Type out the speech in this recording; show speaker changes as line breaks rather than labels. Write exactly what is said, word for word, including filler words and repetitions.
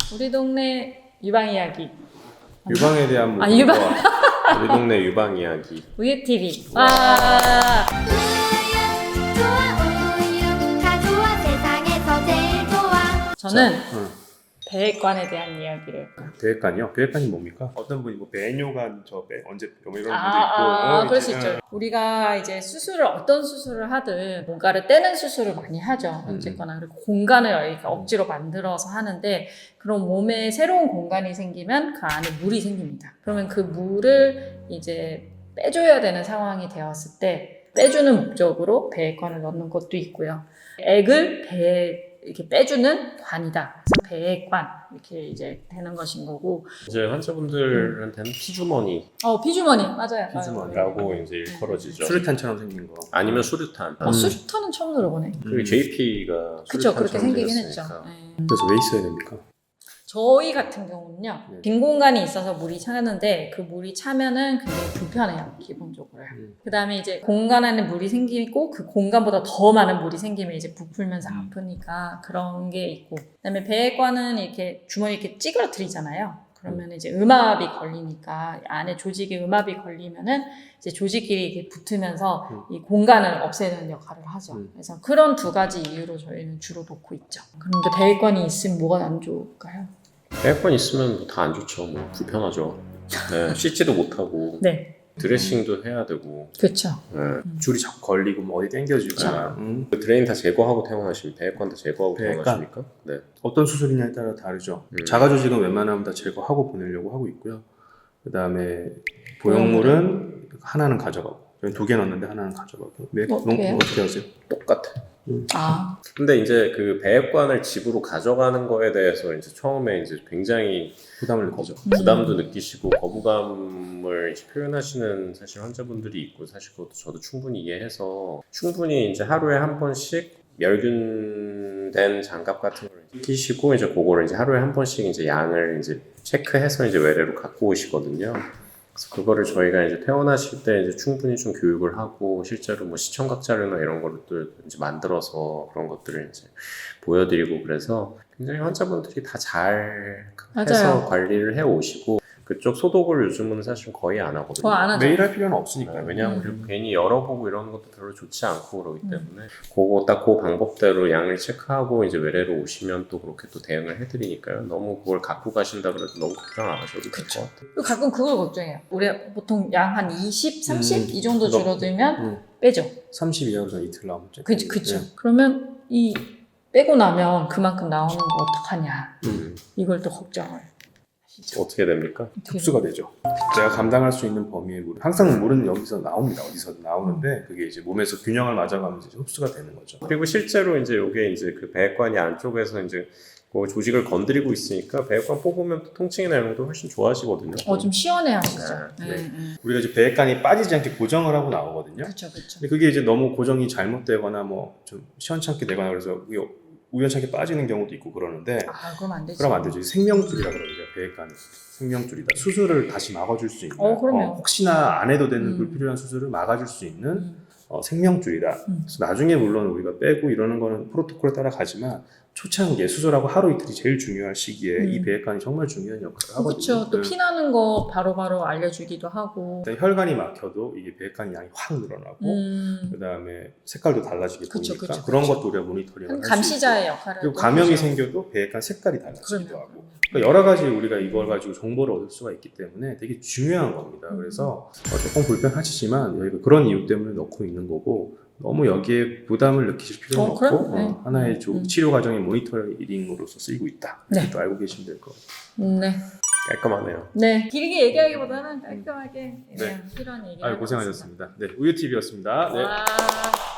우리 동네 유방 이야기.
유방에 대한
아, 유방.
우리 동네 유방 이야기.
우유티비.
와.
와. 저는
응.
배관에 대한 이야기를.
배액관이요? 배액관이 뭡니까? 어떤 분이 뭐 배뇨관 저 배 언제 뭐 이런 분도 있고.
아, 아,
어,
그럴 수
이제,
있죠. 우리가 이제 수술을 어떤 수술을 하든 뭔가를 떼는 수술을 많이 하죠. 어쨌거나 그리고 공간을 이렇게 억지로 만들어서 하는데 그런 몸에 새로운 공간이 생기면 그 안에 물이 생깁니다. 그러면 그 물을 이제 빼줘야 되는 상황이 되었을 때 빼주는 목적으로 배액관을 넣는 것도 있고요. 액을 배에 이렇게 빼주는 관이다. 그래서 배액관 이렇게 이제 되는 것인 거고.
이제 환자분들한테는 피주머니.
어 피주머니 맞아요.
피주머니라고
맞아요.
이제 일컬어지죠.
수류탄처럼 생긴 거.
아니면 수류탄.
어, 수류탄은 처음 들어보네.
그 제이피가
그쵸, 그렇게 생기긴 했죠.
생겼으니까.
네.
그래서 왜 있어야 됩니까?
저희 같은 경우는요,
네.
빈 공간이 있어서 물이 차는데 그 물이 차면은 굉장히 불편해요, 기본적으로.
음.
그 다음에 이제 공간 안에 물이 생기고 그 공간보다 더 많은 물이 생기면 이제 부풀면서
음.
아프니까 그런 게 있고. 그 다음에 배액관은 이렇게 주머니 이렇게 찌그러뜨리잖아요. 그러면 이제 음압이 걸리니까 안에 조직에 음압이 걸리면은 이제 조직끼리 이렇게 붙으면서
음.
이 공간을 없애는 역할을 하죠.
음.
그래서 그런 두 가지 이유로 저희는 주로 놓고 있죠. 그런데 배액관이 있으면 뭐가 안 좋을까요?
에어컨 있으면 뭐 다 안 좋죠. 뭐 불편하죠. 네, 씻지도 못하고
네,
드레싱도 해야 되고.
그렇죠.
네.
줄이 자꾸 걸리고 뭐 어디 당겨지고.
그쵸.
음.
그 드레인 다 제거하고 퇴원하십니까? 배액관 다 제거하고
배액관?
퇴원하십니까? 네.
어떤 수술이냐에 따라 다르죠.
음.
자가 조직은 웬만하면 다 제거하고 보내려고 하고 있고요. 그 다음에 보형물은 하나는 가져가고. 저희 두 개 넣었는데 하나는 가져가고. 왜,
어떻게 해요?
어떻게 하세요?
똑같아.
아,
근데 이제 그 배액관을 집으로 가져가는 거에 대해서 이제 처음에 이제 굉장히
부담을 느끼죠.
음.
부담도 느끼시고 거부감을 이제 표현하시는 사실 환자분들이 있고 사실 그것도 저도 충분히 이해해서 충분히 이제 하루에 한 번씩 멸균된 장갑 같은 걸 끼시고 이제 그거를 이제 하루에 한 번씩 이제 양을 이제 체크해서 이제 외래로 갖고 오시거든요. 그래서 그거를 저희가 이제 퇴원하실 때 이제 충분히 좀 교육을 하고 실제로 뭐 시청각 자료나 이런 거를 또 이제 만들어서 그런 것들을 이제 보여드리고 그래서 굉장히 환자분들이 다 잘 해서
맞아요.
관리를 해 오시고 그쪽 소독을 요즘은 사실 거의 안 하거든요.
더 안 하죠.
매일 할 필요는 없으니까.
네, 왜냐하면
음.
그리고 괜히 열어보고 이런 것도 별로 좋지 않고 그러기 때문에 그거 딱 그 방법대로 양을 체크하고 이제 외래로 오시면 또 그렇게 또 대응을 해드리니까요. 너무 그걸 갖고 가신다 그래도 너무 걱정 안 하셔도 될 것 같아요.
그리고 가끔 그걸 걱정해요. 우리 보통 양 한 이십, 삼십
음,
이 정도
그거-
줄어들면
음.
빼죠.
삼십 이하로서 이틀 나오면
그, 그쵸.
네.
그러면 이 빼고 나면 그만큼 나오는 거 어떡하냐.
음.
이걸 또 걱정을 하시죠.
어떻게 됩니까?
흡수가 되죠. 내가 감당할 수 있는 범위의 물. 항상 물은 여기서 나옵니다. 어디서든 나오는데 그게 이제 몸에서 균형을 맞아가면서 이제 흡수가 되는 거죠.
그리고 실제로 이제 이게 이제 그 배액관이 안쪽에서 이제 그 조직을 건드리고 있으니까 배액관 뽑으면 또 통증이나 이런 것도 훨씬 좋아지거든요.
어, 좀 시원해 하시죠.
네,
네.
네.
네.
우리가 이제 배액관이 빠지지 않게 고정을 하고 나오거든요.
그쵸, 그쵸.
근데 그게 이제 너무 고정이 잘못되거나 뭐 좀 시원찮게 되거나 그래서 그게 우연찮게 빠지는 경우도 있고 그러는데
아, 그럼 안 되지.
그럼 안 되죠. 생명줄이라 그러죠. 배액관이 생명줄이다. 수술을 다시 막아줄 수 있는.
어, 그럼요.
혹시나 안 해도 되는
음.
불필요한 수술을 막아줄 수 있는
음.
어, 생명줄이다.
음.
그래서 나중에 물론 우리가 빼고 이러는 거는 프로토콜에 따라 가지만 초창기에 수술하고 하루 이틀이 제일 중요한 시기에
음.
이 배액관이 정말 중요한 역할을 하거든요.
그쵸. 또
네.
피나는 거 바로바로 알려주기도 하고.
일단 혈관이 막혀도 이게 배액관 양이 확 늘어나고
음.
그 다음에 색깔도 달라지게
그쵸,
보니까
그쵸,
그런
그쵸.
것도 우리가 모니터링을
한
할수
감시자의
있고
역할을.
그리고
또
감염이
하죠.
생겨도 배액관 색깔이 달라지기도
그럼요.
하고 그러니까 여러 가지 우리가 이걸 가지고 정보를 얻을 수가 있기 때문에 되게 중요한 겁니다.
음.
그래서 어, 조금 불편하시지만 여기가 그런 이유 때문에 넣고 있는 거고 너무 여기에 부담을 느끼실 필요는
어,
없고
그럼?
어,
네.
하나의 조-
음.
치료 과정의 모니터링으로서 쓰이고 있다.
네.
이렇게 또 알고 계시면 될 것 같아요.
네.
깔끔하네요.
네. 길게 얘기하기보다는 깔끔하게
네.
그냥 필요한 얘기.
아유, 고생하셨습니다. 네, 우유티비였습니다. 네.
와.